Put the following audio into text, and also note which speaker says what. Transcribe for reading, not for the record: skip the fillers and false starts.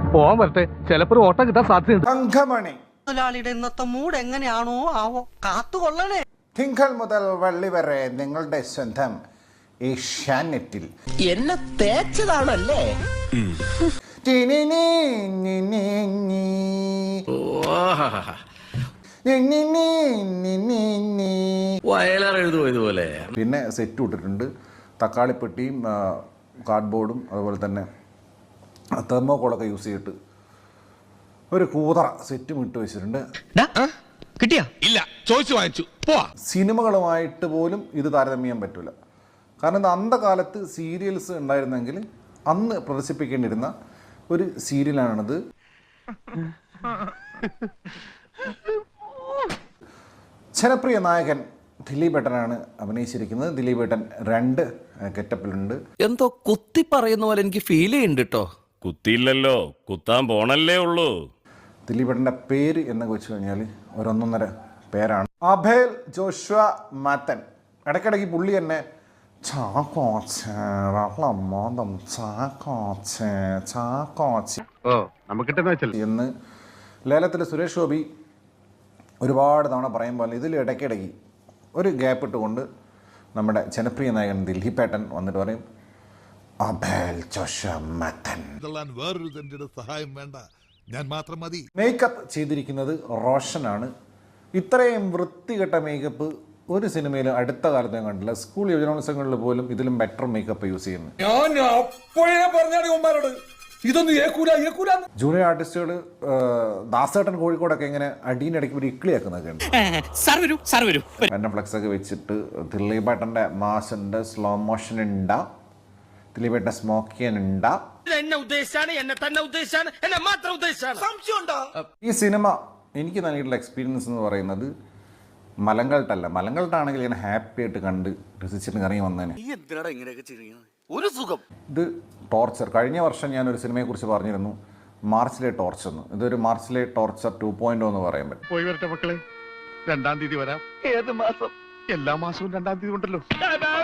Speaker 1: പോവാൻ വരട്ടെ, ചിലപ്പോൾ ഓട്ടം കിട്ടാൻ സാധ്യതയുണ്ട്.
Speaker 2: തങ്കമണി
Speaker 3: മുതലാളിയുടെ ഇന്നത്തെ മൂഡ് എങ്ങനെയാണോ ആവോ, കാത്തുകൊള്ളണേ.
Speaker 2: തിങ്കൾ മുതൽ വെള്ളി വരെ നിങ്ങളുടെ സ്വന്തം ഏഷ്യാനെറ്റിൽ.
Speaker 4: എന്നെ തേച്ചതാണല്ലേ?
Speaker 5: വയലാറെഴുതുപോയതുപോലെ.
Speaker 2: പിന്നെ സെറ്റ് ഇട്ടിട്ടുണ്ട്, തക്കാളിപ്പെട്ടിയും കാർഡ്ബോർഡും അതുപോലെ തന്നെ തെർമോക്കോളൊക്കെ യൂസ് ചെയ്തിട്ട് ഒരു കൂതറ സെറ്റും ഇട്ട് വെച്ചിട്ടുണ്ട്.
Speaker 4: കിട്ടിയാ?
Speaker 5: ഇല്ല, ചോദിച്ചു വാങ്ങിച്ചു. പോവാ.
Speaker 2: സിനിമകളുമായിട്ട് പോലും ഇത് താരതമ്യം ചെയ്യാൻ പറ്റില്ല. കാരണം ഇത് അന്ധകാലത്ത് സീരിയൽസ് ഉണ്ടായിരുന്നെങ്കിൽ അന്ന് പ്രദർശിപ്പിക്കേണ്ടിയിരുന്ന ഒരു സീരിയലാണിത്. ജനപ്രിയ നായകൻ ദിലീപേട്ടനാണ് അഭിനയിച്ചിരിക്കുന്നത്. ദിലീപേട്ടൻ 2 ഗെറ്റപ്പിലുണ്ട്.
Speaker 4: എന്തോ കുത്തി പറയുന്ന പോലെ എനിക്ക് ഫീൽ ചെയ്യുന്നുണ്ട് കേട്ടോ.
Speaker 5: കുത്തിയില്ലല്ലോ, കുത്താൻ പോണല്ലേ ഉള്ളൂ.
Speaker 2: ദിലീപേട്ടൻ്റെ പേര് എന്നൊക്കെ വെച്ച് കഴിഞ്ഞാൽ ഒരു 1.5 പേരാണ്. Abel Joshua Mathan. ഇടയ്ക്കിടയ്ക്ക് പുള്ളി തന്നെ എന്ന് ലേലത്തിൽ സുരേഷ് ഗോപി ഒരുപാട് തവണ പറയുമ്പോൾ ഇതിൽ ഇടയ്ക്കിടയ്ക്ക് ഒരു ഗ്യാപ്പ് ഇട്ടുകൊണ്ട് നമ്മുടെ ജനപ്രിയ നായകൻ ദിലീപേട്ടൻ വന്നിട്ട് പറയും അഭേൽ ജോഷ്വ മാത്തൻ.
Speaker 6: വേറൊരു സഹായം വേണ്ട, ഞാൻ മാത്രം മതി.
Speaker 2: മേക്കപ്പ് ചെയ്തിരിക്കുന്നത് റോഷനാണ്. ഇത്രയും വൃത്തികെട്ട മേക്കപ്പ് ഒരു സിനിമയിലും അടുത്ത കാലത്ത് ഞാൻ കണ്ടില്ല. സ്കൂൾ യുവജനോത്സവങ്ങളിൽ പോലും ഇതിലും ബെറ്റർ മേക്കപ്പ് യൂസ് ചെയ്യുന്നു. ജൂനിയർ ആർട്ടിസ്റ്റുകൾ ദാസേട്ടൻ കോഴിക്കോടൊക്കെ ഇങ്ങനെ അടീനിടയ്ക്ക് ഒരു ഇക്ലിയാക്കുന്നൊക്കെ ഉണ്ട്. എന്നെ ഫ്ലക്സ് ഒക്കെ വെച്ചിട്ട് ദിലീപേട്ടൻ്റെ മാസുണ്ട്, സ്ലോ മോഷൻ ഉണ്ടാ, ദിലീപേട്ടൻ്റെ സ്മോക്കിയൻ ഉണ്ടാ. ഈ സിനിമ എനിക്ക് നൽകിയിട്ടുള്ള എക്സ്പീരിയൻസ് എന്ന് പറയുന്നത് മലങ്കൾട്ടല്ല. മലങ്കൾട്ടാണെങ്കിൽ ഇങ്ങനെ ഹാപ്പി ആയിട്ട് കണ്ട് രസിച്ചിട്ട് ഇറങ്ങി വന്നേനെ. ഇത് ടോർച്ചർ. കഴിഞ്ഞ വർഷം ഞാനൊരു സിനിമയെക്കുറിച്ച് പറഞ്ഞിരുന്നു, മാർച്ചിലെ ടോർച്ചർ എന്ന്. ഇതൊരു മാർച്ചിലെ ടോർച്ചർ 2.0 എന്ന് പറയാൻ പറ്റും.
Speaker 1: പോയി വരട്ടെ മക്കളെ, 2-ാം തീയതി വരാം. ഏത് മാസം? എല്ലാ മാസവും 2-ാം തീയതി ഉണ്ടല്ലോ.